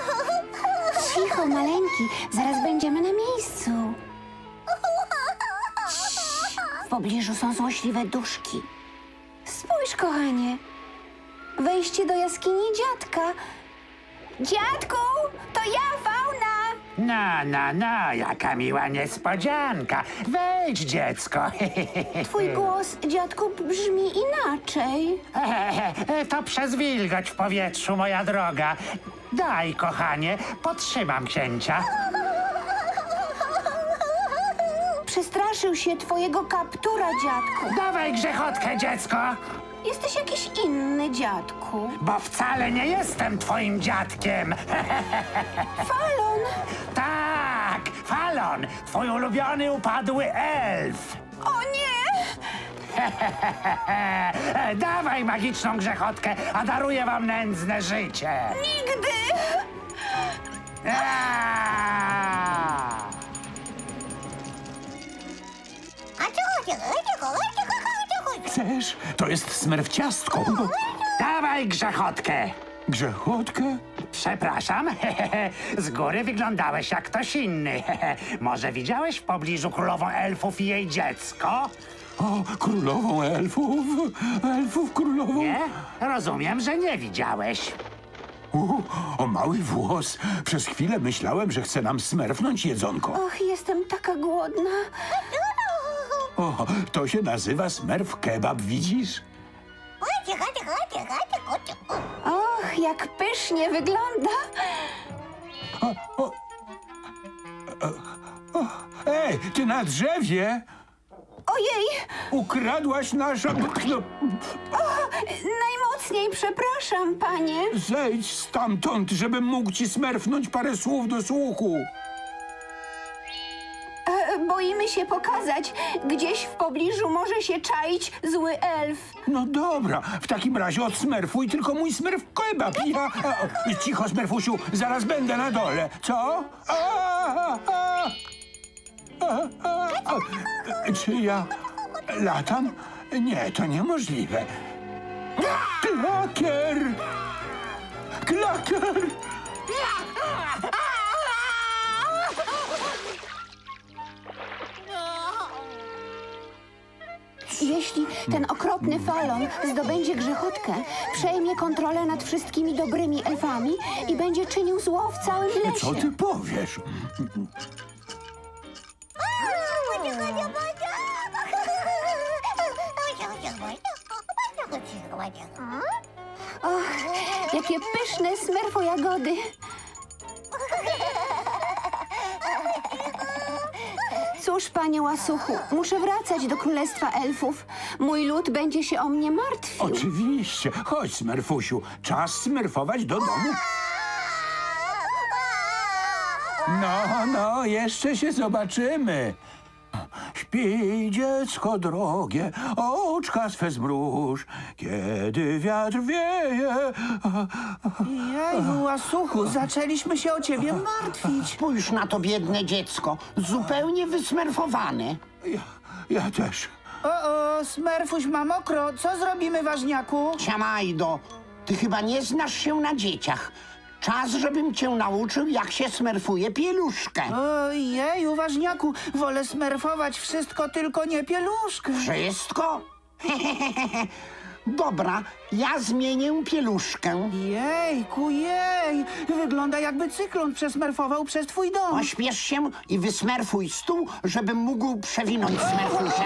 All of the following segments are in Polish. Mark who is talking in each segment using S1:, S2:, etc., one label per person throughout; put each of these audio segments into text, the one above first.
S1: Cicho, maleńki, zaraz będziemy na miejscu. W pobliżu są złośliwe duszki. Spójrz, kochanie. Wejście do jaskini dziadka. Dziadku, to ja, Fauna.
S2: No, jaka miła niespodzianka. Wejdź, dziecko.
S1: Twój głos, dziadku, brzmi inaczej.
S2: To przez wilgoć w powietrzu, moja droga. Daj, kochanie, podtrzymam księcia.
S1: Przestraszył się twojego kaptura, dziadku.
S2: Dawaj grzechotkę, dziecko,
S1: Jesteś jakiś inny, dziadku.
S2: bo wcale nie jestem twoim dziadkiem.
S1: Falon!
S2: Tak, Falon, twój ulubiony upadły elf.
S1: O nie!
S2: Dawaj magiczną grzechotkę, a daruję wam nędzne życie.
S1: Nigdy!
S2: Aaa!
S3: Chcesz? To jest smerfciastko.
S2: Dawaj grzechotkę.
S3: Grzechotkę?
S2: Przepraszam, z góry wyglądałeś jak ktoś inny. Może widziałeś w pobliżu królową elfów i jej dziecko?
S3: O, królową elfów. Elfów królową.
S2: Nie? Rozumiem, że nie widziałeś.
S3: O, mały włos. Przez chwilę myślałem, że chce nam smerfnąć jedzonko.
S1: Och, jestem taka głodna.
S3: O, to się nazywa smerf kebab, widzisz?
S1: Och, jak pysznie wygląda.
S3: Ej, ty na drzewie
S1: Ojej,
S3: ukradłaś nasza... No,
S1: najmocniej przepraszam, panie.
S3: zejdź stamtąd, żebym mógł ci smerfnąć parę słów do słuchu.
S1: Boimy się pokazać. Gdzieś w pobliżu może się czaić zły elf.
S3: No dobra, w takim razie odsmerfuj tylko mój smerf kebab. Cicho, smerfusiu, zaraz będę na dole. Co? Czy ja latam? Nie, to niemożliwe. Klakier! Klakier!
S1: Jeśli ten okropny Falon zdobędzie grzechotkę, przejmie kontrolę nad wszystkimi dobrymi elfami i będzie czynił zło w całym
S3: Co
S1: lesie.
S3: ty powiesz?
S1: Och, jakie pyszne smerfojagody. Cóż, panie łasuchu, muszę wracać do królestwa elfów. Mój lud będzie się o mnie martwił.
S3: Oczywiście. Chodź, smerfusiu. Czas smerfować do domu. No, jeszcze się zobaczymy. Śpi, dziecko drogie, oczka swe zmruż, kiedy wiatr wieje.
S4: Jeju, łasuchu, zaczęliśmy się o ciebie martwić.
S5: Spójrz na to biedne dziecko, zupełnie wysmerfowane.
S3: Ja też.
S4: O, Smerfuś ma mokro. Co zrobimy, ważniaku?
S5: Ciamajdo, ty chyba nie znasz się na dzieciach. Czas, żebym cię nauczył, jak się smerfuje pieluszkę.
S4: Jeju, ważniaku, wolę smerfować wszystko, tylko nie pieluszkę.
S5: Wszystko? Dobra, ja zmienię pieluszkę.
S4: Jejku, jej, wygląda jakby cyklon przesmerfował przez twój dom.
S5: Pośpiesz się i wysmerfuj stół, żebym mógł przewinąć smerfusia.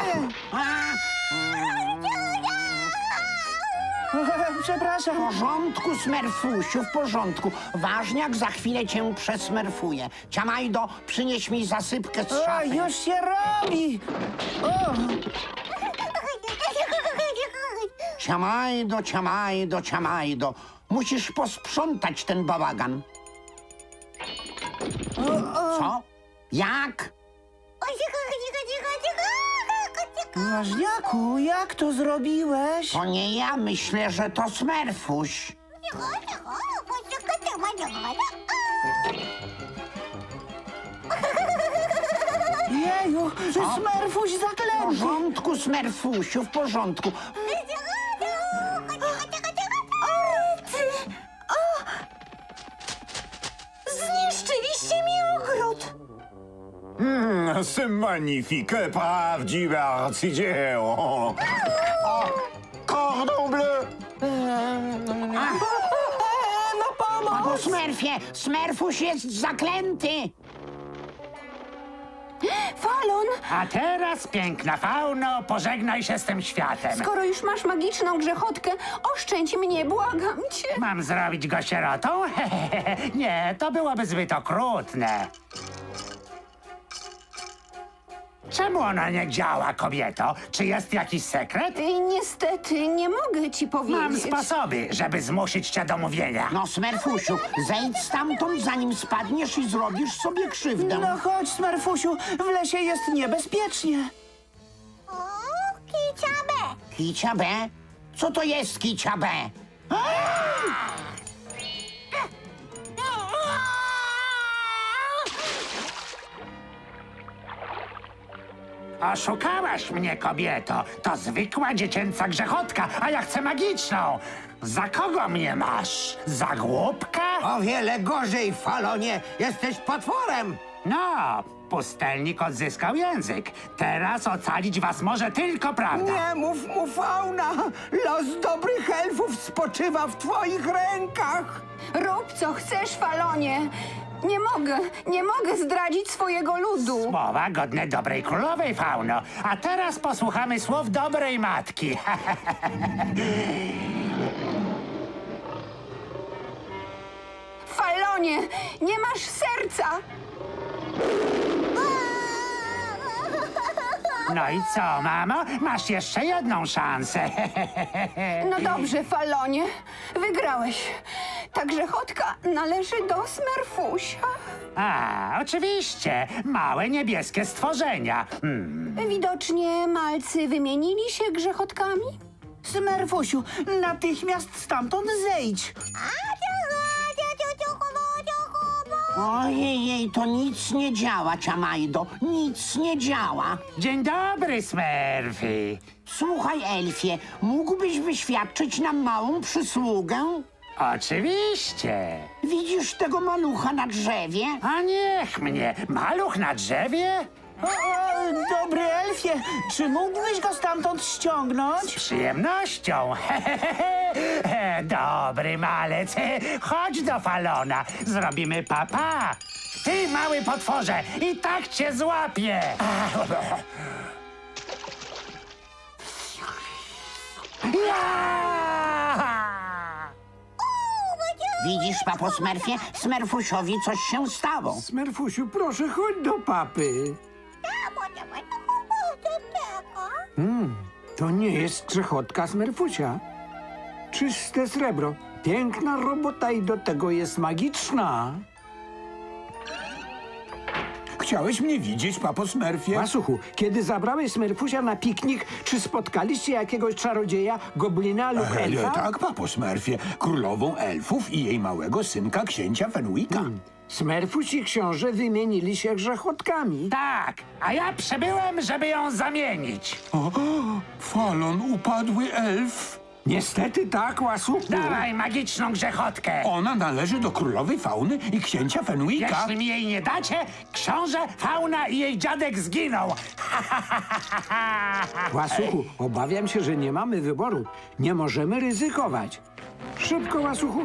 S4: Przepraszam.
S5: W porządku, smerfusiu, w porządku. Ważniak za chwilę cię przesmerfuje. Ciamajdo, przynieś mi zasypkę z
S4: O,
S5: szafy.
S4: już się robi. O,
S5: Ciamajdo, ciamajdo, ciamajdo. Musisz posprzątać ten bałagan. Co? Jak?
S4: ważniaku, jak to zrobiłeś?
S5: To nie ja, myślę, że to smerfuś.
S4: Jeju, Smerfuś
S5: W
S4: zaklęty.
S5: porządku, smerfusiu, w porządku.
S6: c'est magnifique, prawdziwe arcydzieło. O, cordon bleu!
S5: Papo Smerfie, Smerfuś jest zaklęty.
S1: Falon,
S2: A teraz, piękna fauno, pożegnaj się z tym światem.
S1: skoro już masz magiczną grzechotkę, oszczędź mnie, błagam cię.
S2: Mam zrobić go sierotą? Nie, to byłoby zbyt okrutne. Czemu ona nie działa, kobieto? Czy jest jakiś sekret?
S1: Niestety, nie mogę ci powiedzieć.
S2: Mam sposoby, żeby zmusić cię do mówienia.
S5: No, Smerfusiu, zejdź stamtąd, zanim spadniesz i zrobisz sobie krzywdę.
S4: No chodź, Smerfusiu, w lesie jest niebezpiecznie.
S5: Kicia B? Co to jest Kicia B?
S2: Oszukałaś mnie, kobieto. To zwykła dziecięca grzechotka, a ja chcę magiczną. Za kogo mnie masz? Za głupka?
S7: O wiele gorzej, Falonie. Jesteś potworem.
S2: No, pustelnik odzyskał język. Teraz ocalić was może tylko prawda.
S7: Nie mów mu, Fauna. Los dobrych elfów spoczywa w twoich rękach.
S1: Rób co chcesz, Falonie. Nie mogę zdradzić swojego ludu.
S2: Słowa godne dobrej królowej, fauno. A teraz posłuchamy słów dobrej matki.
S1: Falonie, nie masz serca.
S2: No i co, mamo? Masz jeszcze jedną szansę.
S1: No dobrze, Falonie, wygrałeś. Ta grzechotka należy do Smerfusia.
S2: A, oczywiście. Małe niebieskie stworzenia.
S1: Widocznie malcy wymienili się grzechotkami.
S4: Smerfusiu, natychmiast stamtąd zejdź.
S5: Ojej, to nic nie działa, Ciamajdo, nic nie działa.
S2: Dzień dobry, Smurfy.
S5: Słuchaj, Elfie, mógłbyś wyświadczyć nam małą przysługę?
S2: Oczywiście.
S5: Widzisz tego malucha na drzewie?
S2: A niech mnie. Maluch na drzewie?
S4: Dobry elfie, czy mógłbyś go stamtąd ściągnąć?
S2: Z przyjemnością. Dobry malec. Chodź do Falona. Zrobimy papa. Ty, mały potworze, i tak cię złapię.
S5: Widzisz, papo Smerfie, Smerfusiowi coś się stało.
S3: Smerfusiu, proszę, chodź do papy. To nie jest grzechotka Smerfusia. Czyste srebro. Piękna robota i do tego jest magiczna. Chciałeś mnie widzieć, papo Smerfie?
S8: Łasuchu, kiedy zabrałeś Smerfusia na piknik, czy spotkaliście jakiegoś czarodzieja, goblina lub elfa?
S3: Tak, papo Smerfie. Królową elfów i jej małego synka, księcia Fenwicka.
S8: Smerfuś i książę wymienili się grzechotkami.
S2: Tak, a ja przybyłem, żeby ją zamienić.
S3: Falon, upadły elf.
S8: Niestety tak, Łasuchu.
S2: Dawaj magiczną grzechotkę.
S3: Ona należy do królowej Fauny i księcia Fenwicka.
S2: Jeśli mi jej nie dacie, książę, fauna i jej dziadek zginą.
S8: Łasuchu, obawiam się, że nie mamy wyboru. Nie możemy ryzykować. Szybko, Łasuchu.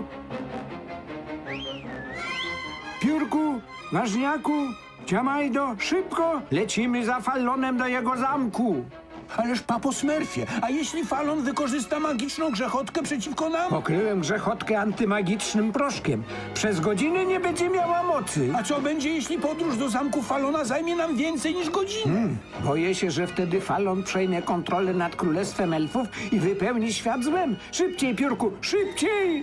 S8: Piórku, ważniaku, Ciamajdo, szybko! Lecimy za Falonem do jego zamku.
S3: Ależ papo Smerfie, a jeśli Falon wykorzysta magiczną grzechotkę przeciwko nam?
S8: Pokryłem grzechotkę antymagicznym proszkiem. Przez godzinę nie będzie miała mocy.
S3: A co będzie, jeśli podróż do zamku Falona zajmie nam więcej niż godzinę?
S8: Boję się, że wtedy Falon przejmie kontrolę nad królestwem elfów i wypełni świat złem. Szybciej, Piórku, szybciej!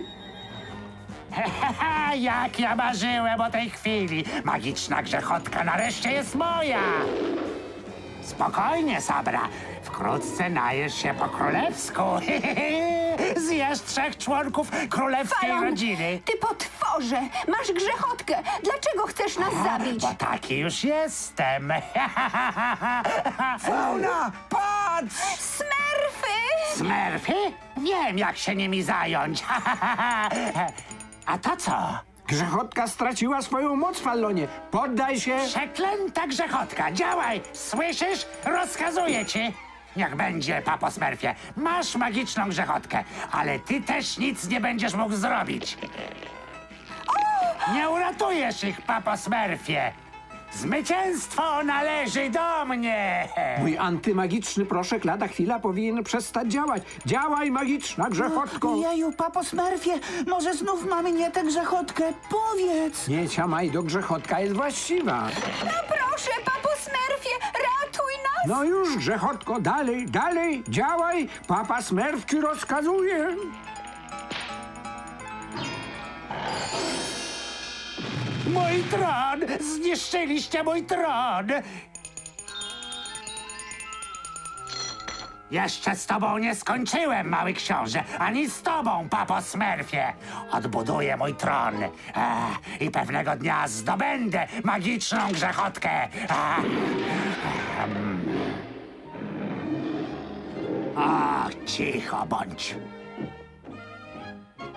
S2: Jak ja marzyłem o tej chwili. Magiczna grzechotka nareszcie jest moja. Spokojnie, Sabra. Wkrótce najesz się po królewsku. Zjesz 3 członków królewskiej
S1: Falon,
S2: rodziny.
S1: ty potworze, masz grzechotkę. Dlaczego chcesz nas zabić?
S2: Bo taki już jestem.
S7: Fauna, patrz!
S1: Smerfy!
S2: Smurfy? Wiem, jak się nimi zająć. A to co?
S8: Grzechotka straciła swoją moc, Fallonie. Poddaj się.
S2: Przeklęta grzechotka, działaj! Słyszysz? Rozkazuję ci! Niech będzie, papo Smurfie. Masz magiczną grzechotkę, ale ty też nic nie będziesz mógł zrobić. Nie uratujesz ich, papo Smurfie. Zwycięstwo należy do mnie!
S8: Mój antymagiczny proszek lada chwila powinien przestać działać. Działaj, magiczna grzechotko.
S4: Jeju, papo Smurfie, może znów mamy nie tę grzechotkę? Powiedz!
S8: Nie, Ciamajdo, grzechotka jest właściwa.
S1: No proszę, papo Smurfie, ratuj nas!
S8: No już, grzechotko, dalej, dalej, działaj. Papa Smurf ci rozkazuje.
S2: Mój tron! Zniszczyliście mój tron! Jeszcze z tobą nie skończyłem, mały książę, ani z tobą, papo Smurfie. Odbuduję mój tron i pewnego dnia zdobędę magiczną grzechotkę. O, cicho bądź.